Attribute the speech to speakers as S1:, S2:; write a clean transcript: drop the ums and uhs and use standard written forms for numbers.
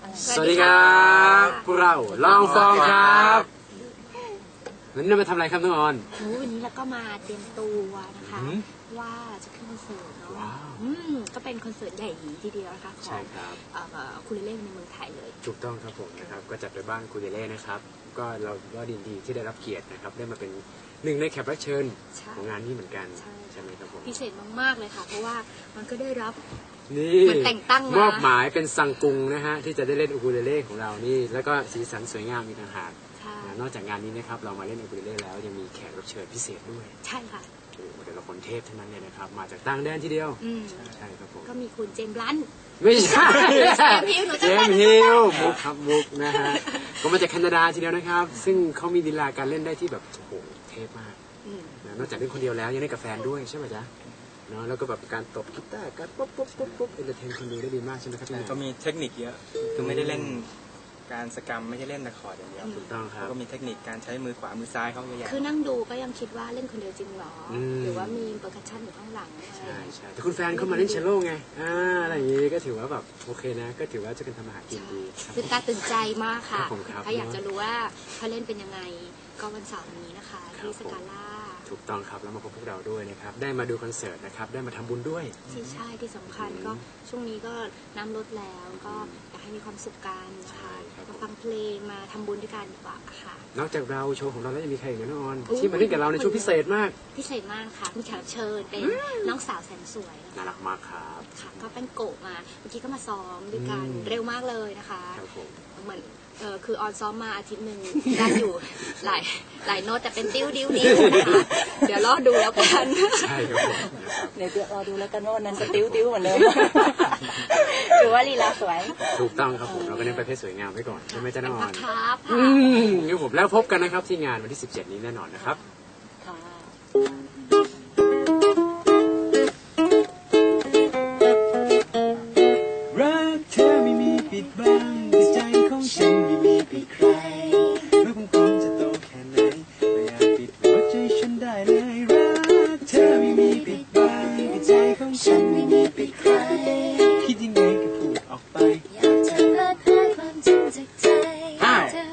S1: สวัสดีครับพวกเราลองฟองครับวันนี้เรามาทำอะไรครับน้องออน
S2: วันนี้เราก็มาเตรียมตัวนะคะว่าจะขึ้นคอนเสิร์ตเนาะก็เป็นคอนเสิร์ตใหญ่ทีเดียวนะคะของคูเลเล่ในเมืองไทยเลย
S1: ถูกต้องครับผมนะครับก็จัดโดยบ้านคูเลเล่นะครับก็เราก็ดีที่ได้รับเกียรตินะครับได้มาเป็นหนึ่งในแขกรับเชิญของงานนี้เหมือนกันใช่ไหมครับผม
S2: พิเศษมากๆเลยค่ะเพราะว่ามันก็ได้รับ
S1: นี่แต่งตั้งมอบหมายเป็นซังกุงนะฮะที่จะได้เล่นอูคูเลเล่ของเรานี่แล้วก็สีสันสวยงามมีต่างหากนอกจากงานนี้นะครับเรามาเล่นอูคูเลเล่แล้วยังมีแขกรับเชิญพิเศษด้วย
S2: ใช่ค่ะ
S1: โอ้แต่ละคนเทพทั้งนั้นเลยนะครับมาจากต่างแดนทีเดียวใช่ครับผม
S2: ก็มีคุณเจมส์ลัน
S1: ไม่ใช่เจมส์ฮิลมุกครับมุกนะฮะก็มาจากแคนาดาทีเดียวนะครับซึ่งเขามีลีลาการเล่นได้ที่แบบโอ้โหเทพมากนอกจากเล่นคนเดียวแล้วยังเล่นกับแฟนด้วยใช่ไหมจ๊ะเนาะแล้วก็แบบการตบกีตาร์การปุ๊บเอนเตอร์เทนคนดูได้ดีมากใช่ไหมครับ
S3: ก็มีเทคนิคเยอะคือไม่ได้เล่นการสกรรมไม่ใช่เล่นตะขออย่างเดียว
S1: ถูกต้องครับ
S3: ก็มีเทคนิคการใช้มือขวามือซ้ายเขาเยอะแยะ
S2: คือนั่งดูก็ยังคิดว่าเล่นคนเดียวจริงหรอหรือว่ามีเปอร์คัชชั่นอยู่ข้างหลัง
S1: ใช่แต่คุณแฟนเขามาเล่นเชลโล่ไงอะไรอย่างนี้ก็ถือว่าแบบโอเคนะก็ถือว่าจะเป็นทำอาหารกินดี
S2: ตื่นตาตื่นใจมากค่ะถ้าอยากจะรู้ว่าเขาเล่นเป็นยังไงก็วันเสาร์นี้นะคะที่สกาล่า
S1: ถูกต้องครับแล้วมาพบพวกเราด้วยนะครับได้มาดูคอนเสิร์ตนะครับได้มาทำบุญด้วย
S2: ใช่ที่สำคัญก็ช่วงนี้ก็น้ำลดแล้วก็อยากให้มีความสุขกันนะคะมาฟังเพลงมาทำบุญด้วยกันดีกว่าค่ะ
S1: นอกจากเราโชว์ของเราแล้วยังมีใครอีกนะน้องออนที่มาเล่นกับเราในช่วงพิเศษมาก
S2: ค่ะมีแขกรับเชิญเป็นน้องสาวแสนสวย
S1: น่ารักมากครับ
S2: ค่ะก็เป็นโกะมาเมื่อกี้ก็มาซ้อมด้วยกันเร็วมากเลยนะคะเหมือนคือออนซ้อมมาอาทิตย์หนึ่งได้อยู่หลายโน้ตแต่เป็นดิ้วนะคะเดี๋ยวรอดูแล้วกัน
S1: ใช่ครับ
S2: เดี๋ยวรอดูแล้วกันว่านั้นจะดิ้วเหมือนเดิมหรือว่าลีลาสวย
S1: ถูกต้องครับผมเราก็เน้นประเภทสวยงามไว้ก่อนใช่ไหมจ๊ะน้องออน
S2: ครับ
S1: งั้นผมแล้วพบกันนะครับที่งานวันที่17นี้แน่นอนนะครับ
S4: รักเธอไม่มีปิดบังแต่ใจของฉันไม่มีปิดใครไม่ว่าผมจะโตแค่ไหนไม่อาจปิดหัวใจฉันได้เลยรักเธอไม่มีปิดบังแต่ใจของฉันไม่มีปิดใครคิดยังไงก็พูดออกไป
S5: อยากจะเปิดเผยความจริงจากใจเธอ